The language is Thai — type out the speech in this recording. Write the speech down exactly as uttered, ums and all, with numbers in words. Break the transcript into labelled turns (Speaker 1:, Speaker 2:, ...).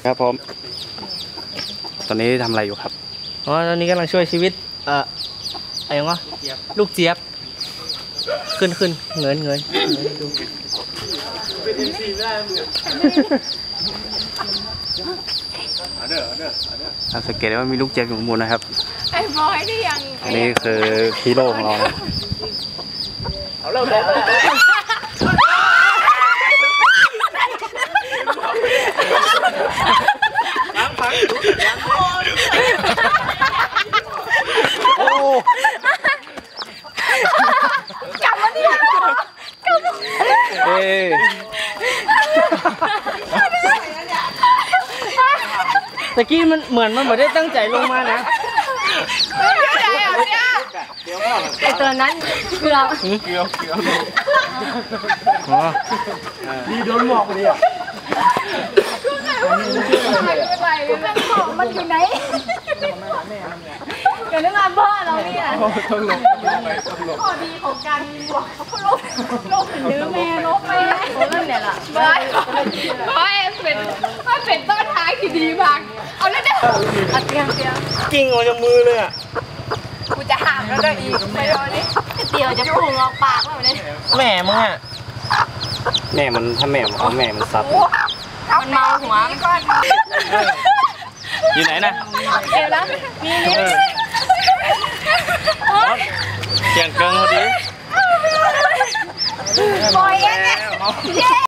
Speaker 1: ครับผมตอนนี้ทำอะไรอยู่ครับ
Speaker 2: อ๋อตอนนี้กำลังช่วยชีวิตเอ่ออะไรวะลูกเจี๊ยบขึ้นขึ้นเงินเงินดู
Speaker 1: สังเกตได้ว่ามีลูกเจี๊ยบอยู่ข้างบนนะครับ
Speaker 3: ไอ้บอยที่ยัง
Speaker 1: นี่คือฮีโร่ของเราเอาเริ่มเลยโอ้
Speaker 3: กลับมาดิกลับมา
Speaker 1: เอ้
Speaker 2: ตะกี้มันเหมือนมันไม่ได้ตั้งใจลงมานะ
Speaker 3: ไอตัวนั้นคือเรา
Speaker 1: เกี่ยวเกี่ยว
Speaker 2: อ๋อ
Speaker 1: ดีโดนหมอกเลยอ่ะ
Speaker 3: มันอยู่ไหนเดี๋ยวนึกว่าพ่อเราเนี่ย
Speaker 1: ต้องลงต้องไปต้องลง
Speaker 3: ข้อดีของการบอกเขาลบลบหรือแม่ลบแม่เรื่องเนี่ยล่ะบอยบอยเป็นว่าเป็นต้นท้ายที่ดีมากเอาเลยเด้อเอาเตียงเตียง
Speaker 2: กิ้งออกจากมือเลยอ่ะ
Speaker 3: กูจะหามแล้วได้อีกไปโดนนี่เดี๋ยวจะพุ่งออกปากแล้วเนี่ย
Speaker 2: แม่มึงอ่ะ
Speaker 1: แม่มันถ้าแม่มันเอาแม่มันซัด
Speaker 3: มันเมาหัวก่อน
Speaker 1: อยู่ไหนนะ
Speaker 3: เดี๋ยวแล้วมีนี่
Speaker 1: เสียงเกินพอดี
Speaker 3: บอยเองเนี่ย